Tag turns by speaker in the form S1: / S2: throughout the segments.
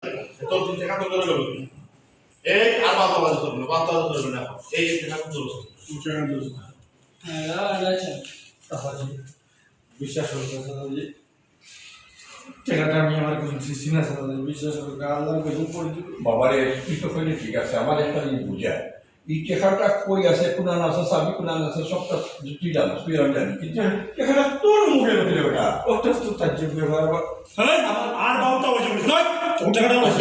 S1: তোর দেখা তো করে গেল এই আর বাবা বাবা করবে না বাবা তো করবে না এই দেখা তো দোষ টাকা দোষ
S2: হ্যাঁ আচ্ছা
S3: তাহলে বিশ্বাস করতে যে টাকাটা আমি আমার কোনো সিনা সাথে বিশ্বাস করতে আল্লাহর কাছে পড়ছি
S4: বাবারে তুই তো কইলে ঠিক আছে আমার একটা জিনিস বুঝায় এই টেকাটা কই আছে কোনা আছে সাবি কোনা আছে সবটা তুই জানো তুই আমি জানি কিন্তু টেকাটা তোর মুখে ঢুকলে ওটা
S3: ওটা তো তার যোগ্য ব্যবহার
S5: হ্যাঁ আর বাবুটা ওই জমি নয় তোর টাকাটা নয়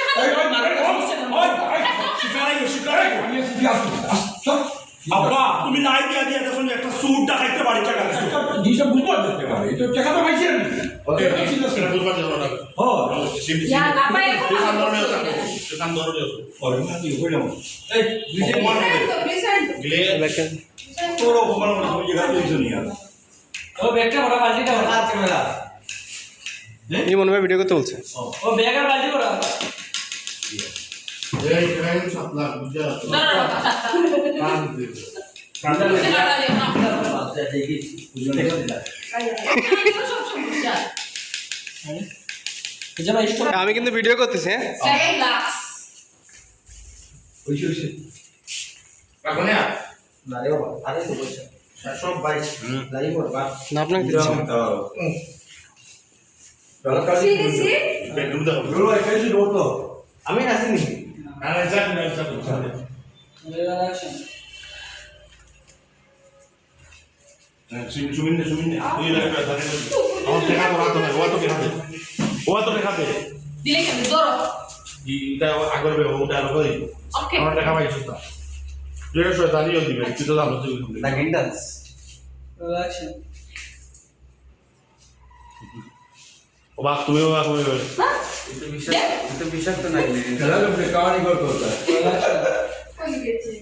S3: আমি এসে আসছি
S5: আব্বা তুমি লাই দিয়া দিয়া দেখুন একটা স্যুট দেখাইতে পারি টাকা
S4: জিনিসটা বুঝতে পারতে পারে এই তো টেকাটা পাইছি আমি
S1: ওকে ঠিক আছে বুঝবার জন্য না
S4: হ্যাঁ
S6: Ya, apa yang kau
S1: কাম
S6: mahu?
S1: ধরে কাম ধরে
S4: অরিজিনাল কি কইলাম
S3: এই দুইটা
S6: Present.
S1: গলে
S4: তোর অপমান করে তুমি যেটা কইছো নি আর
S2: ও ব্যাগটা ওরা বালতিটা ওরা
S3: আর ক্যামেরা
S7: এই মনে হয় ভিডিও করতে বলছে
S2: ও ব্যাগের বালতি ওরা
S1: এই ট্রেন সাপলা বুঝা
S6: No, no, no.
S1: কাম দে
S2: এটা ভাই স্টপ
S7: আমি কিন্তু ভিডিও করতেছি হ্যাঁ
S6: Saya glass.
S3: ওইসে ওইসে
S1: রাখো না
S3: না রে বাবা আরে তো বলছে
S1: সব বাইক
S3: লাইভ করবা
S7: না আপনাকে দিচ্ছি
S6: Sini sih.
S1: বেডরুম দাও
S4: বলো এখানে যে রোড তো
S3: আমি আসিনি
S1: আরে যাক না যাক
S2: অ্যাকশন
S1: সুমিনে তুই লাগা ধরে আমার দেখা তো রাত হবে ও তো দেখা দে
S6: Dile que me doro.
S1: এটা আগর বে ওটা আর কই
S6: Okay.
S1: আমার দেখা পাইছিস না যেটা শয়তানিও দিবে তুই তো জানো তুই
S3: না গিন্ডাস
S2: অ্যাকশন
S1: ও বাপ তুমি ও তুমি
S3: এটা বিশ্বাস তো নাই
S4: খেলা লোকে কাহানি করতে হতো
S6: Kau gitu.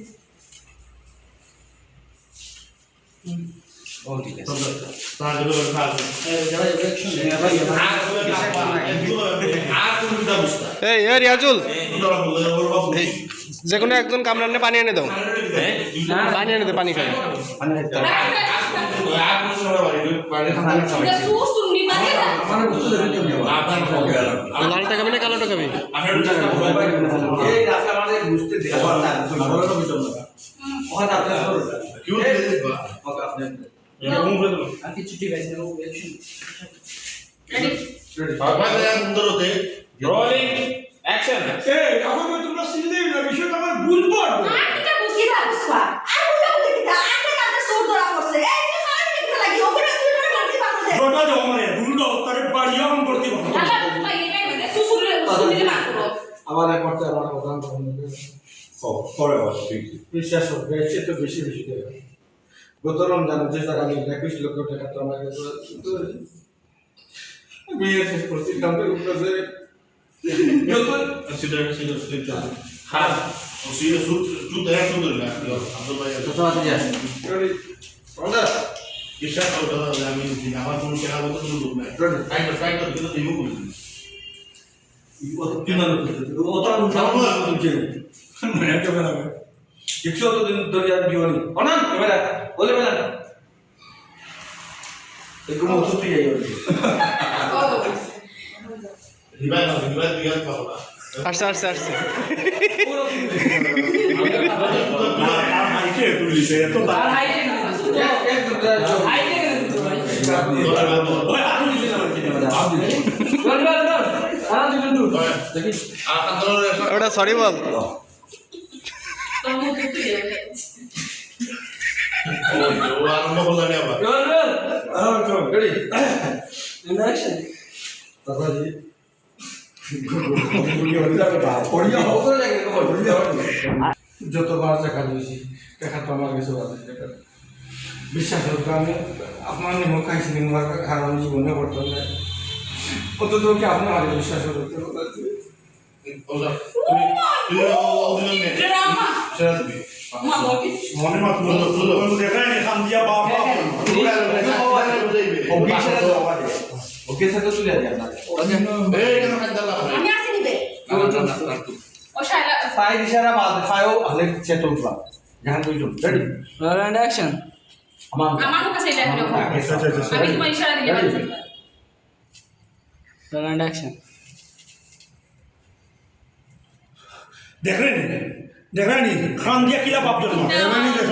S3: ও ঠিক আছে
S1: তার জন্য কাজ
S2: যারা অ্যাকশন
S1: আর তুমি দা বুঝতা
S7: এই এ রিয়াজুল
S1: তোরা বলে ওর বাপ
S7: যে কোনো একজন কামরানে পানি এনে দাও পানি এনে দে পানি খাই
S6: Udah susu di mana dah?
S3: আমার বুঝতে দেবেন
S7: লালটা খাবি না কালোটা খাবি
S3: এই রাস্তা আমাদের বুঝতে দে ওখানে আপনার ওকে আপনি
S2: আকি ছুটি গেছে ও অ্যাকশন
S6: Ready?
S1: রোলিং অ্যাকশন
S4: এই আমাকে তোমরা সিনলেই না বিষয়টা আমার বুঝবো
S8: Aku tak mesti bagus pak. Aku tak mesti kita. Anda kata suruh orang force. Ini kan kita lagi. Oke, nanti kita nanti bangun deh.
S5: রোটা দাও মানে দুটো তারে বাড়িয়া অন করতে পারো
S6: Apa apa ini kan? Susu di mana?
S3: আমার করতে আমার কথা বলতে
S4: করে বস ঠিক
S3: বিশ্বাস করবে এর তো বেশি বেশি দেবে গত রমজান যে টাকা আমি 21 লক্ষ টাকা তো আমার কাছে বিয়ে শেষ করছি কামে উপরে যত
S1: হ্যাঁ ও সিরে সুত সুত দেখা সুন্দর না আব্দুল ভাই
S3: তো আছে যা ওটা
S1: বিশ্বাস করো দাদা আমি আমার কোনো টাকা মতো কোনো লোক নাই ট্রাই করে কিন্তু দিব করি
S3: অত কিনা অত মানে ক্যামেরা একশো তো দিন ধরে আর জীবনী অনান ক্যামেরা বলে বেলা এরকম ওষুধ দিয়ে যাই
S6: Oh.
S1: রিভাইভ দিয়া পাবো না
S7: আসছে আসছে আসছে
S5: আর মাইকে তুলিছে এত
S2: আর হাইটে না হাইটে না ভাই
S5: ওই আর দিছে না
S2: বল বল বল আর দিবেন তো
S3: দেখি
S7: ওটা সরি বল
S6: Kamu gitu ya.
S1: ও আরম্ভ করলেন আবার
S2: বল বল
S3: আর চল রেডি
S2: অ্যাকশন
S3: দাদাজি পড়িয়া হবে লাগে যতবার দেখা দিয়েছি দেখা তো আমার কাছে আছে বিশ্বাস করতে আমি আপনার নিমক খাইছি নিমক খাওয়ার জীবনে করতাম না অন্তত কি আপনি আমার বিশ্বাস করতে
S1: ওলা তুমি তুমি অভিনয় নে
S6: Drama.
S1: সেটা দিবি
S6: Ma mau gitu.
S5: মনে মত বলো দেখাই নি খান দিয়া বাপ
S3: ওকে সাথে তুলে আজ আপনাকে
S1: এই কেন খাই দালা
S8: Kami asin nih be.
S6: Oh saya.
S3: ফাই ইশারা বাদ ফাইও হলে সেট উঠবা জাহান দুইজন রেডি
S2: রোল এন্ড অ্যাকশন
S3: আমার
S6: Aman aku kasih lihat dulu. Habis cuma isyarat dia.
S2: Roll and action
S5: দেখলেন দেখলেন খান দিয়া কিলা পাপ জন্ম
S8: না।